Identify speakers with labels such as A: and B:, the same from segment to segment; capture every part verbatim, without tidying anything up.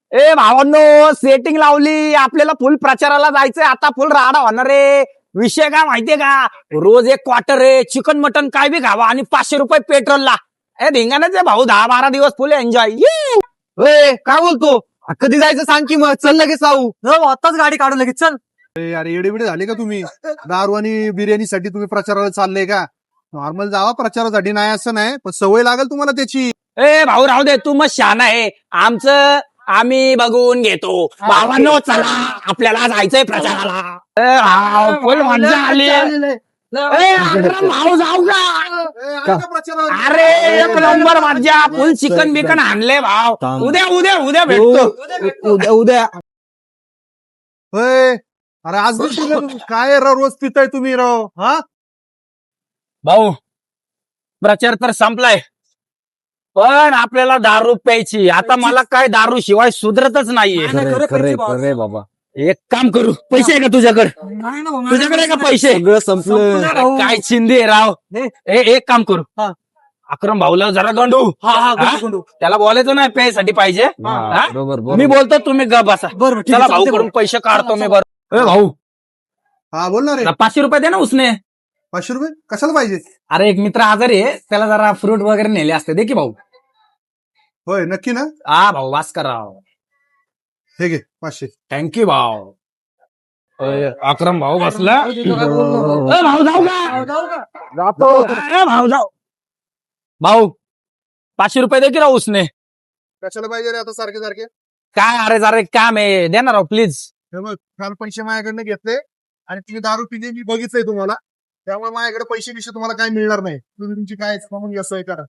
A: ए भावांनो, सेटिंग लावली, आपल्याला फुल प्रचाराला जायचंय, आता फुल राडा होणार रे. विषय काय माहितीये का, रोज एक क्वार्टर रे चिकन मटन काय बी खावा आणि पाचशे रुपये पेट्रोलला. ए धिंगाणच आहे भाऊ, दहा बारा दिवस फुल एन्जॉय.
B: काय बोलतो? कधी जायचं सांग की मग, चल लगेच जाऊ.
C: आताच गाडी काढू लगेच, चल.
D: अरे एडेबिडे झाले का तुम्ही? दारू आणि बिर्याणीसाठी तुम्ही प्रचाराला चालले का? नॉर्मल जावा प्रचारासाठी, नाही असं नाही, पण सवय लागेल तुम्हाला त्याची.
A: ए भाऊ राहू दे, तू मग शहाणा आहे. आमचं आम्ही बघून घेतो. भावांनो चला, आपल्याला जायचंय प्रचाराला. ए, हा, फुल मजा आली. ए, अकरम भाऊ जाऊ का?
D: ए, आले का प्रचाराला?
A: अरे एक नंबर मजा, फुल चिकन बिकन आणले भाव. उद्या उद्या उद्या भेटतो.
B: उद्या उद्या
D: होय. अरे आज बी पिलं तुम्ही. काय राव रोज पिताय तुम्ही राव? हा
A: भाऊ प्रचार तर संपलाय, पण आपल्याला दारू प्यायची. आता मला काय दारू शिवाय सुधरतच नाहीये.
B: खरे खरे बाबा,
A: एक काम करू, पैसे आहे का तुझ्याकडे?
C: नाही ना भाऊ,
A: तुझ्याकडे आहे का पैसे?
B: सगळं संपलं.
A: अरे काय चिंदी आहे राव. ए, एक काम करू, अक्रम भाऊला जरा गंडू.
C: हा हा
A: हा?
C: गुंडू, गुंडू.
A: त्याला बोलायचं नाही प्यायसाठी पाहिजे.
B: हा,
A: हा?
B: बरोबर
A: मी
B: बरोबर.
A: बोलतो, तुम्ही ग बसा.
C: बरं ठीक
A: चला
C: आहे,
A: भाऊ
C: चालतंय
A: कडून
C: भाऊ.
A: पैसे काढतो मी.
C: चला,
A: बरं ए भाऊ,
D: हा बोल ना रे.
A: पाचशे रुपये दे ना उसने.
D: पाचशे रुपये कशाला पाहिजे?
A: अरे एक मित्र आजारी आहे, त्याला जरा फ्रूट वगैरे नेले असते. दे की भाऊ.
D: होय नक्की ना?
A: हा भाऊ, भास्कर राव,
D: हे घे पाचशे.
A: थँक्यू भाऊ. अय, अक्रम भाऊ बसला. ए, भाऊ जाऊ का?
D: जातो.
A: ए, भाऊ जाऊ. भाऊ पाचशे रुपये दे की राव उसने.
D: कशाला पाहिजे रे आता सारखे सारखे?
A: काय अरे जरा एक काम आहे, दे ना राव प्लीज.
D: हे बघ, काल पैसे माझ्याकडनं घेतले आणि तुम्ही दारू पिली मी बघितलंय तुम्हाला, त्यामुळे माझ्याकडे पैसे बिशे तुम्हाला काय मिळणार नाही. तुम्ही तुमची काय मग असं करा.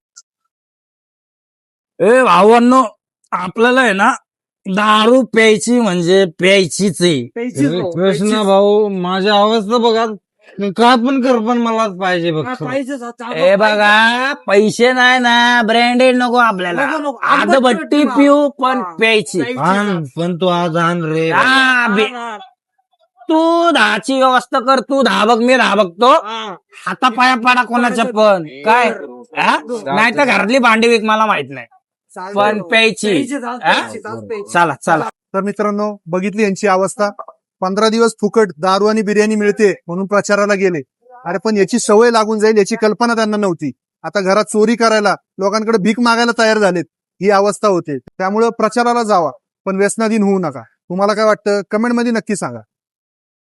A: ए भावांनो, आपल्याला आहे ना दारू प्यायची म्हणजे प्यायचीच आहे.
C: प्यायचीच भाऊ,
B: कृष्ण
C: प्यायचीच.
B: भाऊ, माझ्या अवस्था बघा, काय पण कर पण मलाच पाहिजे
C: हा,
B: बघ.
C: पाहिजेच, हा, चालू
A: ए बघा, पैसे नाही ना, ब्रँडेड नको आपल्याला.
C: नको, नको.
A: आदबट्टी पिऊ पण
C: हा.
A: प्यायची.
C: प्यायची.
B: आण, पण तू आज आण रे.
A: हा, बे-
C: हा,
A: तू दहाची व्यवस्था कर, तू दहा बघ, मी दहा बघतो.
C: हा.
A: हातापाया पाडा कोणाच्या पण काय, नाही तर घरातली भांडी विक, मला माहित नाही,
C: चालतंय
A: पण
C: भाऊ.
A: प्यायची.
C: प्यायचीच, हा,
A: हा?
C: प्यायचीच, हा, प्यायचीच.
A: चला चला.
D: तर मित्रांनो, बघितली यांची अवस्था. पंधरा दिवस फुकट दारू आणि बिर्याणी मिळते म्हणून प्रचाराला गेले. अरे पण याची सवय लागून जाईल याची कल्पना त्यांना नव्हती. आता घरात चोरी करायला, लोकांकडे भीक मागायला तयार झालेत. ही अवस्था होते. त्यामुळे प्रचाराला जावा, पण व्यसनाधीन होऊ नका. तुम्हाला काय वाटतं कमेंटमध्ये नक्की सांगा.